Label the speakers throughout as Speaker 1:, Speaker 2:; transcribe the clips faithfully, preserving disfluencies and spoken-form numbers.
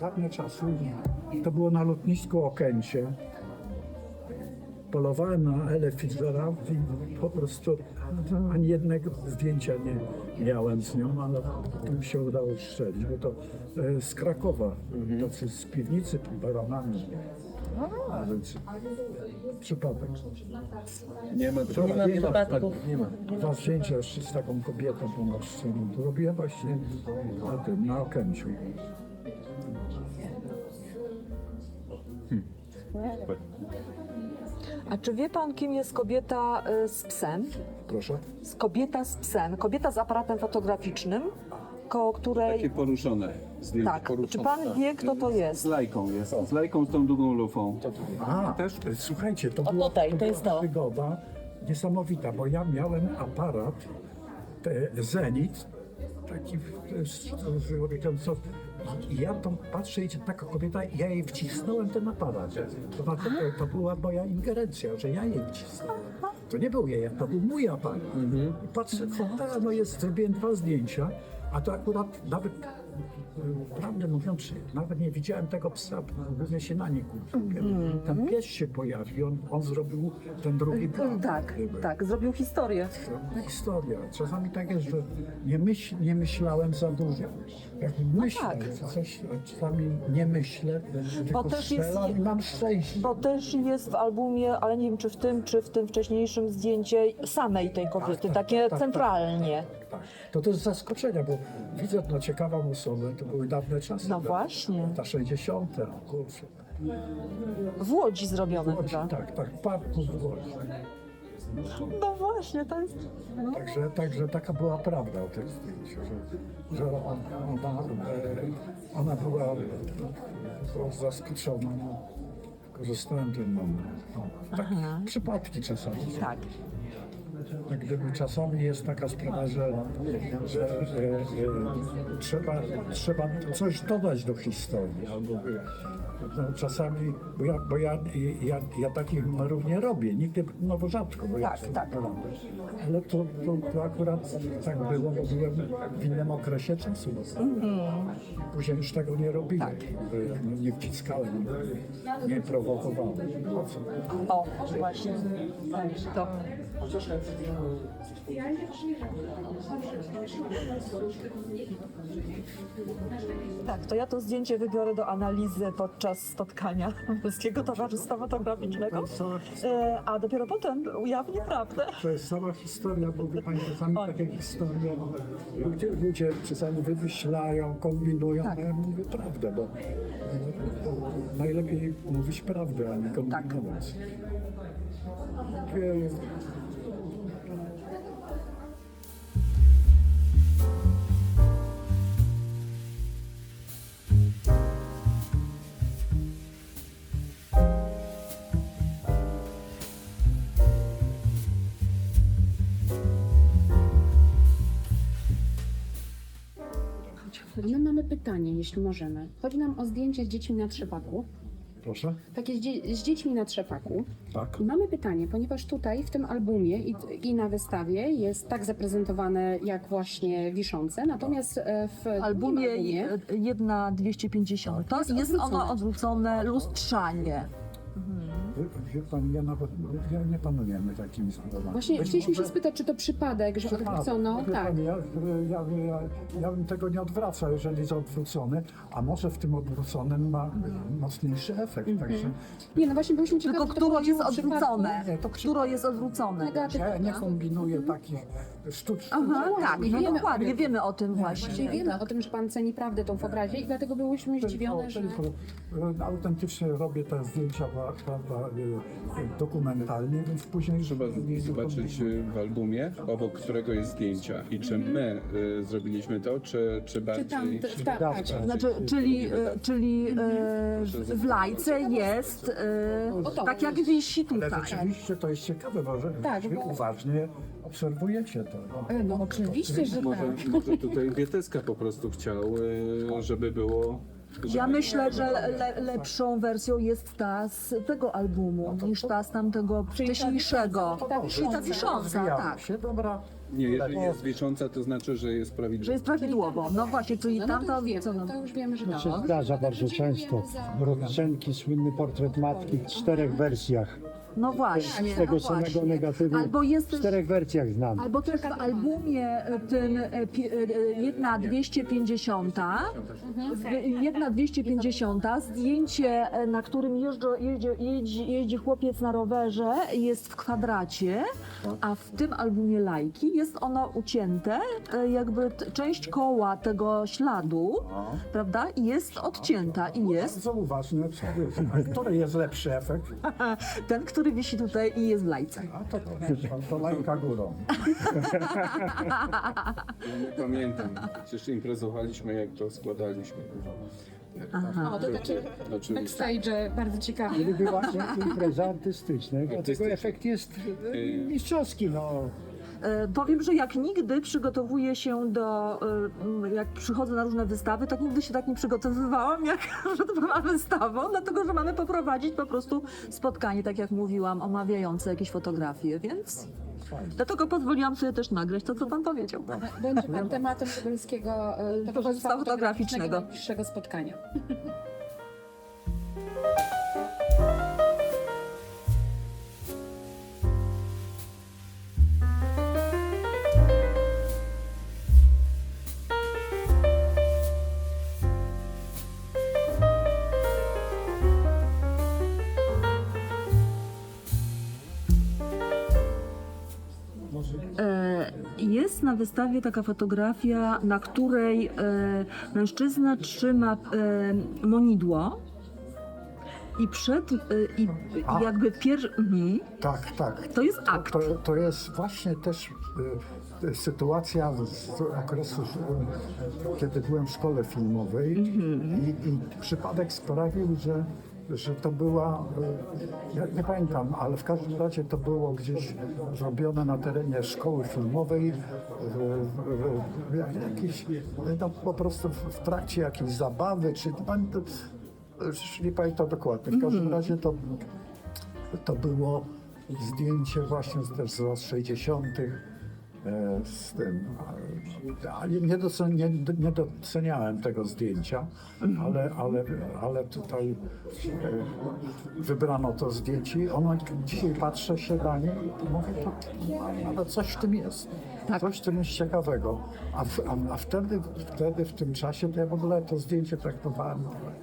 Speaker 1: dawne czasy, to było na lotnisku Okęcie. Polowałem na Elę Fitzgerald i po prostu ani jednego zdjęcia nie miałem z nią, ale to mi się udało strzelić, bo to e, z Krakowa, tacy z piwnicy baronami. A więc przypadek.
Speaker 2: Nie ma,
Speaker 1: Nie ma
Speaker 2: przypadków. Nie ma.
Speaker 1: Dwa zdjęcia jeszcze z taką kobietą pomocną. To robiłem właśnie na tym, na Okęciu.
Speaker 3: A czy wie pan, kim jest kobieta y, z psem?
Speaker 1: Proszę.
Speaker 3: Z kobieta z psem, kobieta z aparatem fotograficznym, koło której...
Speaker 2: Takie poruszone. Zdjęcie
Speaker 3: Tak.
Speaker 2: poruszone.
Speaker 3: Czy pan wie, kto to jest?
Speaker 2: Z lajką jest. Z lajką z tą długą lufą.
Speaker 1: A, też, słuchajcie, to, była,
Speaker 3: tutaj,
Speaker 1: to
Speaker 3: to jest
Speaker 1: była
Speaker 3: to.
Speaker 1: przygoda niesamowita, bo ja miałem aparat e, Zenit, taki e, z- z- co, i ja to patrzę, idzie taka kobieta i ja jej wcisnąłem ten aparat. To, to, to była moja ingerencja, że ja jej wcisnąłem. To nie był jej, to był mój aparat. I patrzę, fotela, no jest, zrobiłem dwa zdjęcia, a to akurat nawet, e, prawdę mówiąc, nawet nie widziałem tego psa, głównie się na nim kupiłem. Ten pies się pojawił, on, on zrobił ten drugi plan.
Speaker 3: Tak, tak, zrobił historię.
Speaker 1: Historia. Czasami tak jest, że nie, myśl, nie myślałem za dużo. Jak myślę,
Speaker 3: tak.
Speaker 1: że coś, a czasami nie myślę, tylko
Speaker 3: też jest-
Speaker 1: strzelam i mam szczęście.
Speaker 3: Bo też jest w albumie, ale nie wiem, czy w tym, czy w tym wcześniejszym zdjęcie samej tej kobiety,
Speaker 1: tak,
Speaker 3: takie
Speaker 1: tak,
Speaker 3: centralnie.
Speaker 1: Tak. To to jest zaskoczenie, bo widzę no, ciekawą osobę, to były dawne czasy.
Speaker 3: No właśnie.
Speaker 1: Ta sześćdziesiąte, kurczę.
Speaker 3: W Łodzi zrobione
Speaker 1: Łodzi,
Speaker 3: chyba.
Speaker 1: tak, tak, w parku w Łodzi.
Speaker 3: No właśnie, to jest... No.
Speaker 1: Także, także taka była prawda o tym zdjęciu, że, że ona, ona, e, ona była, była zaskoczona. No. Korzystałem ten moment. No, tak, przypadki czasami.
Speaker 3: Tak.
Speaker 1: Jak gdyby czasami jest taka sprawa, że, że e, e, trzeba, trzeba coś dodać do historii. Albo, e, no, czasami, bo, ja, bo ja, ja, ja takich numerów nie robię, nigdy, no bo rzadko, bo ja
Speaker 3: Tak,
Speaker 1: sobie
Speaker 3: tak.
Speaker 1: to robię. Ale to, to, to akurat tak było, bo byłem w innym okresie czasu. Później już tego nie robiłem,
Speaker 3: Tak.
Speaker 1: no, nie wciskałem, nie prowokowałem. Po co?
Speaker 3: O, właśnie. To. Tak, to ja to zdjęcie wybiorę do analizy podczas spotkania Polskiego Towarzystwa Fotograficznego, e, a dopiero potem ujawnię prawdę.
Speaker 1: To jest cała historia, bo wie pani, czasami takie historie, ludzie, ludzie czasami wymyślają, kombinują,
Speaker 3: Tak.
Speaker 1: a ja mówię prawdę, bo bo najlepiej mówić prawdę, a nie kombinować. Takie-
Speaker 4: My mamy pytanie, jeśli możemy. Chodzi nam o zdjęcia z dziećmi na trzepaku.
Speaker 1: Proszę?
Speaker 4: Takie z, dzie- z dziećmi na trzepaku.
Speaker 1: Tak.
Speaker 4: I mamy pytanie, ponieważ tutaj w tym albumie i, i na wystawie jest tak zaprezentowane jak właśnie wiszące, natomiast e, w
Speaker 3: W albumie
Speaker 4: drugim albumie
Speaker 3: jedna dwieście pięćdziesiąt. To
Speaker 4: Jest
Speaker 3: jest ono
Speaker 4: odwrócone.
Speaker 3: odwrócone lustrzanie.
Speaker 1: Wie, wie pani, ja nawet ja nie panujemy takimi sprawami.
Speaker 4: właśnie
Speaker 1: Być
Speaker 4: chcieliśmy się
Speaker 1: może-
Speaker 4: spytać, czy to przypadek, że
Speaker 1: Przypadek.
Speaker 4: odwrócono?
Speaker 1: Wie
Speaker 4: Tak.
Speaker 1: pani, Ja, ja, ja, ja bym tego nie odwracał, jeżeli jest odwrócony, a może w tym odwróconym ma mocniejszy efekt. Także
Speaker 4: Nie, no właśnie byliśmy ciekawi,
Speaker 3: Tylko
Speaker 4: czy to
Speaker 3: które jest
Speaker 4: chodziło o przypadek.
Speaker 3: odwrócone.
Speaker 1: Nie, to przy-
Speaker 3: Które jest odwrócone.
Speaker 4: Negatywna.
Speaker 1: ja nie kombinuję takich sztucznych.
Speaker 3: Aha, tak, no
Speaker 4: wiemy o
Speaker 3: dokładnie,
Speaker 4: tym.
Speaker 3: wiemy o tym
Speaker 4: Właśnie
Speaker 3: właśnie.
Speaker 4: wiemy o tym, że pan ceni prawdę tą w obrazie i dlatego byłyśmy zdziwione, że...
Speaker 1: Tylko, e, autentycznie robię te zdjęcia prawda, e, dokumentalnie, więc później
Speaker 2: Trzeba
Speaker 1: nie
Speaker 2: zobaczyć y, w albumie, obok którego jest zdjęcia. I czy my y, zrobiliśmy to, czy, czy
Speaker 4: Czy
Speaker 2: bardziej...
Speaker 4: tam, tak, tak.
Speaker 3: Znaczy, czyli, e, czyli e, w- w lajce jest e, tak jak wisi
Speaker 1: Ale
Speaker 3: tutaj.
Speaker 1: rzeczywiście to jest ciekawe, bo że
Speaker 4: Tak,
Speaker 1: wy
Speaker 4: bo-
Speaker 1: uważnie obserwujecie to. No.
Speaker 4: No oczywiście, że
Speaker 2: Może,
Speaker 4: tak.
Speaker 2: może tutaj Wieteska po prostu chciał, y, żeby było...
Speaker 3: Ja myślę, że le, lepszą wersją jest ta z tego albumu niż ta z tamtego wcześniejszego.
Speaker 4: ta
Speaker 3: Czyli ta wisząca,
Speaker 1: Rozwijamy
Speaker 3: tak.
Speaker 1: się, dobra,
Speaker 2: Nie, jeżeli jest wisząca, to znaczy, że jest
Speaker 3: Że
Speaker 2: prawidłowa.
Speaker 3: jest prawidłowo. No właśnie, czyli
Speaker 4: No, no to
Speaker 3: tamta...
Speaker 4: już wiemy,
Speaker 3: co nam-
Speaker 4: to już wiemy, że
Speaker 5: To się
Speaker 4: no.
Speaker 5: zdarza bardzo często. Rodzenki, słynny portret matki w czterech wersjach.
Speaker 3: No właśnie,
Speaker 5: Z tego
Speaker 3: no
Speaker 5: samego
Speaker 3: właśnie.
Speaker 5: negatywu
Speaker 3: Albo jest
Speaker 5: w
Speaker 3: też...
Speaker 5: czterech wersjach znam.
Speaker 3: Albo też w albumie e, tym e, pi- e, e, jedna dwieście pięćdziesiąt, jedna dwieście pięćdziesiąt, zdjęcie, e, na którym jeżdżą, jeździ, jeździ, jeździ chłopiec na rowerze, jest w kwadracie, a w tym albumie Lajki jest ono ucięte, e, jakby t- część koła tego śladu, prawda, jest odcięta i jest
Speaker 1: Bardzo uważne, który jest lepszy efekt,
Speaker 3: ten, który wisi tutaj i jest w Lajce.
Speaker 1: a to, to, to lajka górą.
Speaker 2: Ja nie pamiętam. Przecież imprezowaliśmy, jak to składaliśmy.
Speaker 4: O, to takie
Speaker 2: Oczywiście.
Speaker 4: backstage bardzo ciekawe.
Speaker 5: Gdyby właśnie imprezy artystyczne, dlatego
Speaker 2: Artystyczne.
Speaker 5: efekt jest e, mistrzowski. No.
Speaker 3: E, Powiem, że jak nigdy przygotowuję się do, e, jak przychodzę na różne wystawy, tak nigdy się tak nie przygotowywałam, jak przed pana wystawą, dlatego że mamy poprowadzić po prostu spotkanie, tak jak mówiłam, omawiające jakieś fotografie, więc dlatego pozwoliłam sobie też nagrać to, co pan powiedział.
Speaker 4: Będzie pan tematem lubelskiego e, towarzystwa
Speaker 3: fotograficznego.
Speaker 4: najbliższego spotkania.
Speaker 3: E, Jest na wystawie taka fotografia, na której e, mężczyzna trzyma e, monidło i przed, e, i,
Speaker 1: A.
Speaker 3: i jakby pierwszy... Mhm.
Speaker 1: Tak, tak.
Speaker 3: To jest akt.
Speaker 1: To, to jest właśnie też y, y, sytuacja z okresu, y, kiedy byłem w szkole filmowej i, i przypadek sprawił, że, że to była, y, ja nie pamiętam, ale w każdym razie to było gdzieś zrobione na terenie szkoły filmowej, y, y, y, jakiś, no, po prostu w, w trakcie jakiejś zabawy, czy no, już nie pamiętam dokładnie. W każdym razie to to było zdjęcie właśnie z, też z lat sześćdziesiątych e, z tym. e, Ale nie, docen, nie, nie doceniałem tego zdjęcia, ale, ale, ale tutaj e, wybrano to zdjęcie i ono, dzisiaj patrzę się na nie i mówię, to, ale coś w tym jest.
Speaker 3: Tak.
Speaker 1: Coś w tym jest ciekawego. A, w, a, a wtedy, wtedy, w tym czasie, to ja w ogóle to zdjęcie traktowałem.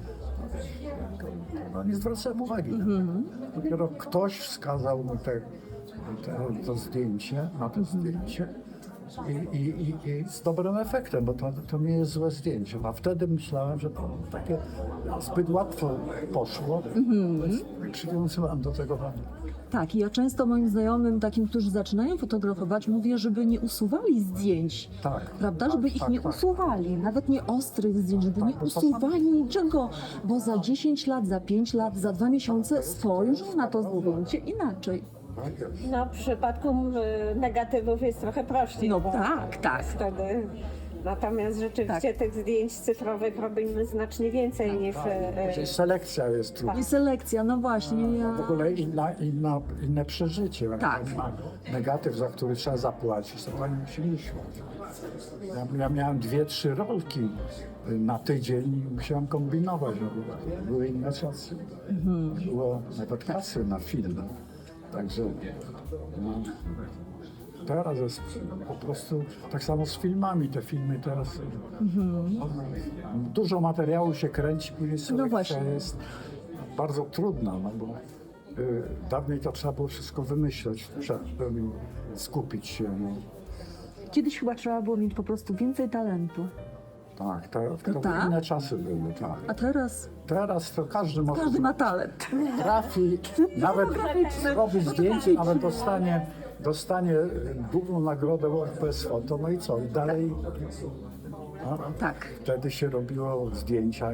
Speaker 1: No nie zwracałem uwagi. Dopiero ktoś wskazał mi te, te, to zdjęcie, na to zdjęcie i, i, i, i z dobrym efektem, bo to, to nie jest złe zdjęcie. A wtedy myślałem, że to takie zbyt łatwo poszło, więc przywiązywałem do tego wagę.
Speaker 3: Tak, i ja często moim znajomym, takim, którzy zaczynają fotografować, mówię, żeby nie usuwali zdjęć.
Speaker 1: Tak.
Speaker 3: Prawda? Żeby ich
Speaker 1: tak,
Speaker 3: nie
Speaker 1: tak.
Speaker 3: usuwali, nawet nie ostrych zdjęć, żeby nie
Speaker 1: bo to
Speaker 3: usuwali niczego, bo za dziesięć lat, za pięć lat, za dwa miesiące spojrzą na to zdjęcie inaczej.
Speaker 6: No, w przypadku y, negatywów jest trochę prościej.
Speaker 3: No
Speaker 6: bo
Speaker 3: tak, tak.
Speaker 6: Wtedy. Natomiast rzeczywiście tych zdjęć cyfrowych robimy znacznie więcej niż. y,
Speaker 1: Czyli selekcja jest trudna.
Speaker 3: I selekcja, no właśnie, ja...
Speaker 1: W ogóle inna, inna, inne przeżycie.
Speaker 3: Tak.
Speaker 1: Na negatyw, za który trzeba zapłacić, to pani musi iść. Ja, ja miałem dwie, trzy rolki na tydzień i musiałem kombinować. No, były inne czasy. Było nawet kasy na film. Także no, teraz jest po prostu tak samo z filmami. Te filmy teraz no, dużo materiału się kręci, później selekcja
Speaker 3: właśnie.
Speaker 1: jest bardzo trudna, no bo y, dawniej to trzeba było wszystko wymyśleć, przed, skupić się. No.
Speaker 3: Kiedyś chyba trzeba było mieć po prostu więcej talentu,
Speaker 1: Tak, to, to
Speaker 3: tak?
Speaker 1: inne czasy były, tak.
Speaker 3: a teraz
Speaker 1: Teraz to każdy może
Speaker 3: każdy ma talent.
Speaker 1: trafi, nawet robi zdjęcie, nawet dostanie, dostanie główną nagrodę World Press Photo, no i co, i dalej no,
Speaker 3: Tak.
Speaker 1: wtedy się robiło zdjęcia i,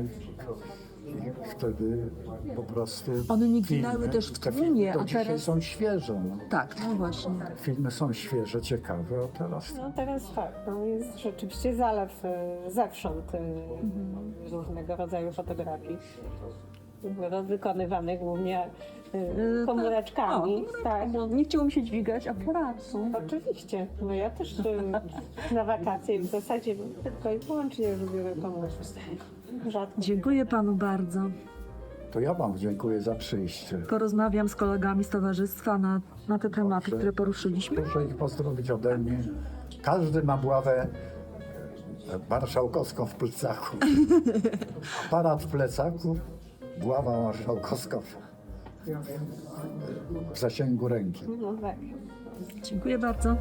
Speaker 1: i wtedy po prostu
Speaker 3: One nie
Speaker 1: filmy,
Speaker 3: ginęły też w
Speaker 1: te
Speaker 3: tłumie,
Speaker 1: filmy to
Speaker 3: a
Speaker 1: dzisiaj
Speaker 3: teraz-
Speaker 1: są świeże, no.
Speaker 3: Tak, no właśnie.
Speaker 1: Filmy są świeże, ciekawe, a teraz
Speaker 6: No teraz tak, no jest rzeczywiście zalew y, zewsząd y, różnego rodzaju fotografii. wykonywane głównie y, komóreczkami.
Speaker 3: O,
Speaker 6: Tak.
Speaker 3: no, nie chciało mi się dźwigać aparatu.
Speaker 6: Oczywiście. No ja też y, na wakacje w zasadzie tylko i wyłącznie już biorę komórkę. Rzadko.
Speaker 3: Dziękuję panu bardzo.
Speaker 1: To ja wam dziękuję za przyjście.
Speaker 3: Porozmawiam z kolegami z towarzystwa na, na te tematy, które poruszyliśmy.
Speaker 1: Proszę ich pozdrowić ode mnie. Każdy ma buławę marszałkowską w plecaku. Aparat w plecaku, buława marszałkowska w, w zasięgu ręki.
Speaker 6: No tak.
Speaker 3: Dziękuję bardzo.